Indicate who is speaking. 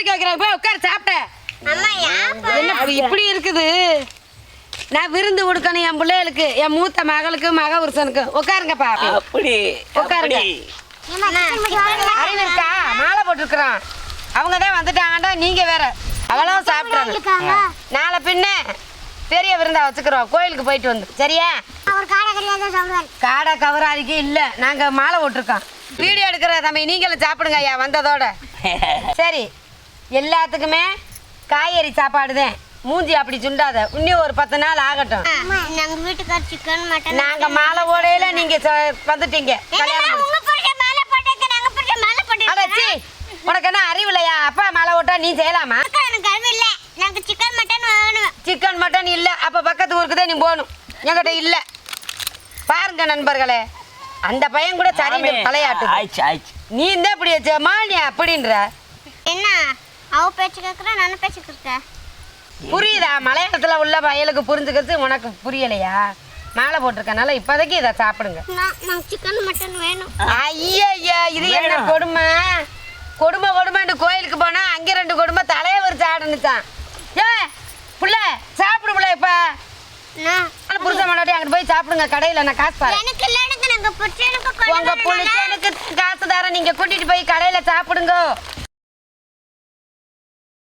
Speaker 1: அடிக்க வைக்கிறேன். போய் உட்கார் சாப்பிட்ட. என்ன இப்படி இருக்குது? நான் விருந்து கொடுக்கணும் என் பிள்ளைகளுக்கு, என் மூத்த மகளுக்கு மக புருஷனுக்கு. உட்காருங்கப்பா.
Speaker 2: அப்படி
Speaker 1: உட்காருங்க. அறிவு இருக்கா? மாலை போட்டுருக்குறான். அவங்க தான் வந்துட்டாங்கடா. நீங்க வேற அவ்வளோ சாப்பிட்றாங்க. நாளை பின்ன பெரிய விருந்தா வச்சுக்கிறோம். கோயிலுக்கு போயிட்டு வந்து சரியா? காடை கவராதிக்கு இல்லை, நாங்கள் மாலை போட்டிருக்கோம். வீடியோ எடுக்கிற தம்பி நீங்களும் சாப்பிடுங்க ஐயா வந்ததோட. சரி, எல்லாத்துக்குமே காய்கறி சாப்பாடு தான். மூஞ்சி அப்படி சுண்டாத. இன்னும் ஒரு 10 நாள் ஆகட்டும். நாங்க மாலை போடையில நீங்க வந்துட்டீங்க. உனக்கு என்ன அறிவு இல்லையா? அப்பா மாலை போட்டா நீ செய்யலாமா? சிக்கன் மட்டன் இல்ல. அப்ப பக்கத்து ஊருக்கு தான் நீ போகணும். என்கிட்ட இல்ல. பாருங்க நண்பர்களே, அந்த பையன் கூட சரி தலையாட்டு. நீ இந்த இப்படி மாலியா அப்படின்ற
Speaker 3: என்ன அவ பேச்சு கேக்குற நான் பேச்சு கேக்குறேன்.
Speaker 1: புரியுதா? மலையாளத்துல உள்ள பயலுக்கு புரிஞ்சுக்கிறது உனக்கு புரியலையா? மாலை போட்டிருக்கனால இப்போதைக்கு இதை சாப்பிடுங்க.
Speaker 3: நான் சிக்கன் மட்டன் வேணும்.
Speaker 1: ஐயா இது என்ன கொடுமை? கொடுமைன்னு கோயிலுக்கு போனா அங்க 2 கொடுமை தலைய விரிச்சு ஆடுனுச்சான். ஏ புள்ள சாப்பிடு புள்ள. இப்ப புருஷன் முன்னாடி அங்கிட்டு போய் சாப்பிடுங்க. கடையில நான் காசு தரேன். உங்க புருஷனுக்கு காசு தரேன். நீங்க கூட்டிட்டு போய் கடையில சாப்பிடுங்க.